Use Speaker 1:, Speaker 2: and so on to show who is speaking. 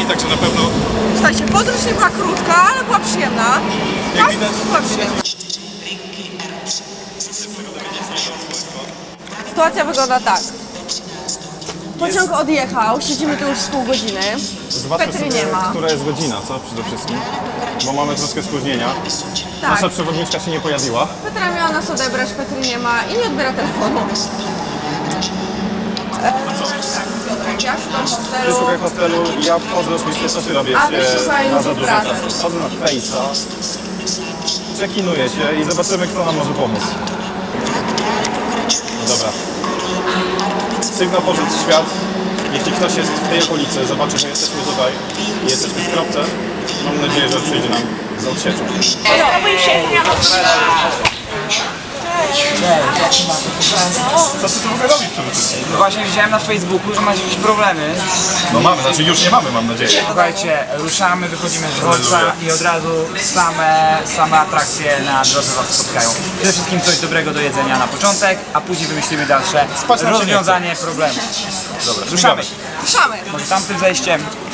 Speaker 1: także na pewno...
Speaker 2: Słuchajcie, podróż nie była krótka, ale była przyjemna. Tak, była przyjemna. Sytuacja wygląda tak. Pociąg odjechał, siedzimy tu już z pół godziny.
Speaker 1: Zobaczmy
Speaker 2: Petry
Speaker 1: sobie,
Speaker 2: nie ma.
Speaker 1: która jest godzina, co? Przede wszystkim. Bo mamy troszkę spóźnienia.
Speaker 2: Tak.
Speaker 1: Nasza przewodniczka się nie pojawiła.
Speaker 2: Petra miała nas odebrać, Petry nie ma i nie odbiera telefonu. Ja szukam hostelu.
Speaker 1: Szukaj hostelu, ja wchodzę oczywiście, co ty robisz
Speaker 2: A ty szukaj
Speaker 1: na za
Speaker 2: już
Speaker 1: dużo
Speaker 2: pracy.
Speaker 1: czasu. Wchodzę na Face'a, przekinuję się i zobaczymy, kto nam może pomóc. No dobra. Sygnał poszedł w świat. Jeśli ktoś jest w tej okolicy, zobaczy, że jesteśmy tutaj i jesteśmy w kropce, mam nadzieję, że przyjdzie nam z odsieczą. Co ty tu w ogóle robisz przede wszystkim?
Speaker 3: No właśnie widziałem na Facebooku, że macie jakieś problemy.
Speaker 1: No mamy, znaczy już nie mamy, mam nadzieję.
Speaker 3: Słuchajcie, ruszamy, wychodzimy z dworca i od razu same atrakcje na drodze was spotkają. Przede wszystkim coś dobrego do jedzenia na początek, a później wymyślimy dalsze
Speaker 1: Spać nam się nie
Speaker 3: rozwiązanie problemu.
Speaker 1: Dobra,
Speaker 3: Ruszamy.
Speaker 2: Ruszamy.
Speaker 3: Może tamtym zejściem.